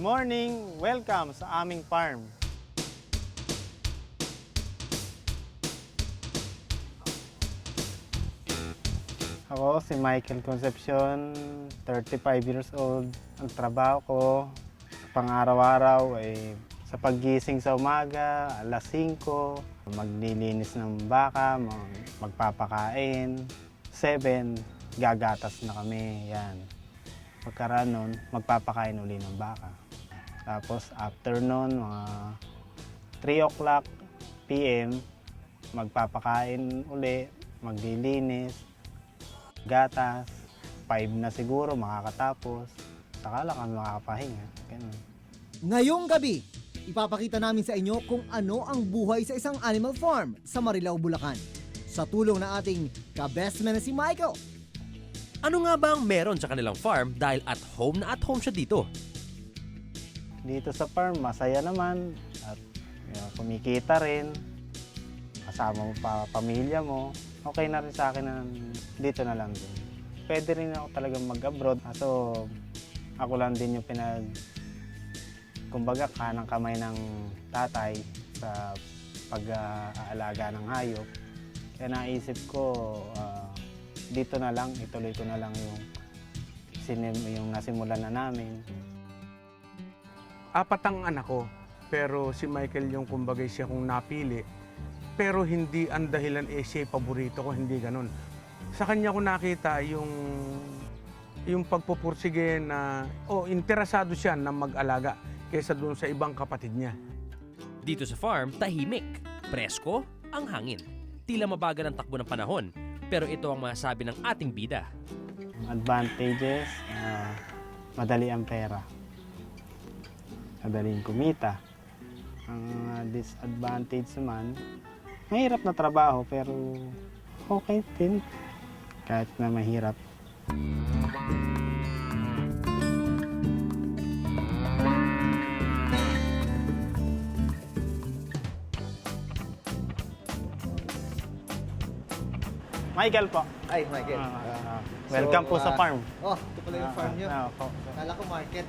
morning! Welcome sa aming farm. Ako si Michael Concepcion, 35 years old. Ang trabaho ko sa pang-araw-araw ay sa paggising sa umaga, alas 5, maglilinis ng baka, magpapakain. 7, gagatas na kami. Yan. Pagkaraan nun, magpapakain uli ng baka. Tapos afternoon, mga 3 o'clock PM, magpapakain uli, maglilinis, gatas. 5 na siguro makakatapos. Saka lang kami makakapahinga. Ganun. Ngayong gabi, ipapakita namin sa inyo kung ano ang buhay sa isang animal farm sa Marilao, Bulacan. Sa tulong ng ating ka-bestman na si Michael. Ano nga ba ang meron sa kanilang farm dahil at home siya dito? Dito sa farm, masaya naman at kumikita rin. Kasama mo pa pamilya mo. Okay na rin sa akin na dito na lang din. Pwede rin ako talagang mag-abroad. So, ako lang din yung kumbaga, kanang kamay ng tatay sa pag-aalaga ng hayop. Kaya naisip ko, dito na lang, ituloy ko na lang yung nasimulan na namin. 4 ang anak ko, pero si Michael yung kumbaga siya kong napili. Pero hindi ang dahilan siya paborito ko, hindi ganun. Sa kanya ko nakita yung pagpupursige na, interesado siya na mag-alaga kaysa doon sa ibang kapatid niya. Dito sa farm, tahimik, presko, ang hangin. Tila mabagal ang takbo ng panahon, pero ito ang masasabi ng ating bida. Advantages, madali ang pera. Madaling kumita. Ang disadvantage naman, mahirap na trabaho pero okay din kahit na mahirap. Michael po. Ay, Michael. Welcome po sa farm. Ito pala yung farm nyo. Po. Kala ko market.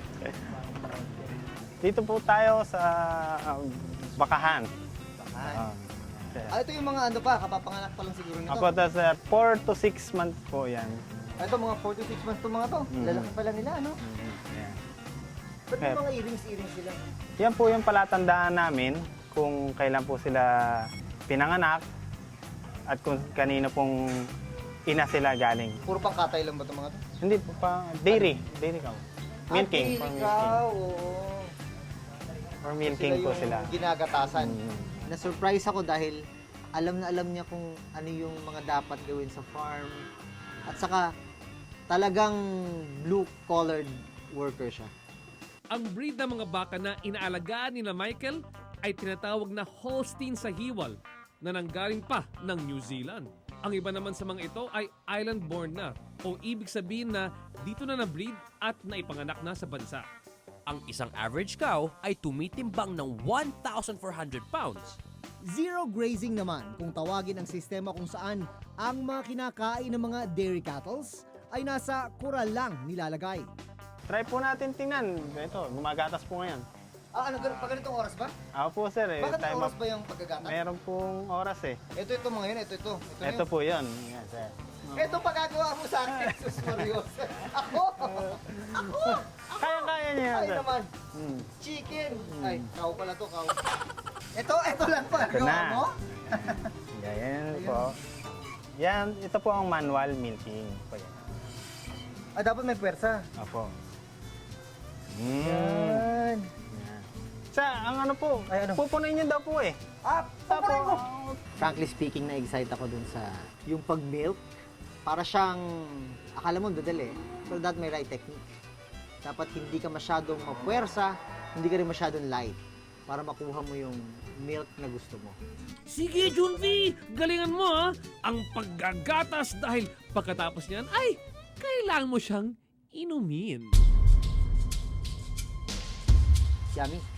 Dito po tayo sa Bakahan. Ito yung mga kapapanganak pa lang siguro nito. Apo, sir, 4 to 6 months po yan. Ito mga 4 to 6 months to mga to. Lalaki pala nila, ano? Yan. Ba't may mga earrings sila? Yan po yung palatandaan namin kung kailan po sila pinanganak at kung kanino pong ina sila galing. Puro pang katay lang ba itong mga to? Hindi po pa, dairy cow. Milking. Dairy For cow, milking. oo. For milking po sila. Ginagatasan. Na-surprise ako dahil alam na alam niya kung ano yung mga dapat gawin sa farm. At saka talagang blue-collared worker siya. Ang breed ng mga baka na inaalagaan ni Michael ay tinatawag na Holstein Sahiwal na nanggaling pa ng New Zealand. Ang iba naman sa mga ito ay island-born na o ibig sabihin na dito na na-breed at naipanganak na sa bansa. Ang isang average cow ay tumitimbang ng 1,400 pounds. Zero grazing naman kung tawagin ang sistema kung saan ang mga kinakain ng mga dairy cattles ay nasa kural lang nilalagay. Try po natin tingnan. Ito, gumagatas po ngayon. Pag ganitong oras ba? Ako po sir eh. Bakit time oras up. ba yung pagkagata? Meron pong oras eh. Ito mga yun, ito. Ito po yun. Yan, sir. Ito pagkagawa mo sa akin, Jesus Marios. Ako! Kaya niya yan, Ay sir. naman, chicken. Ay, cow pala to, cow. Ito lang pa. Ito Gawa na. mo? Yan po. Yan, ito po ang manual milking. Po yan. Dapat may pwersa. Opo. Yan. Yan. Sa, ang ano po, Ay, ano? pupunin niyo daw po eh. Paparin mo. Frankly speaking, na-excite ako dun sa yung pag-milk. Para siyang, akala mo dadali, pero that may right technique. Dapat hindi ka masyadong mapwersa, hindi ka rin masyadong light para makuha mo yung milk na gusto mo. Sige, Junvi! Galingan mo ha! Ang paggagatas dahil pagkatapos niyan ay kailangan mo siyang inumin. Yummy.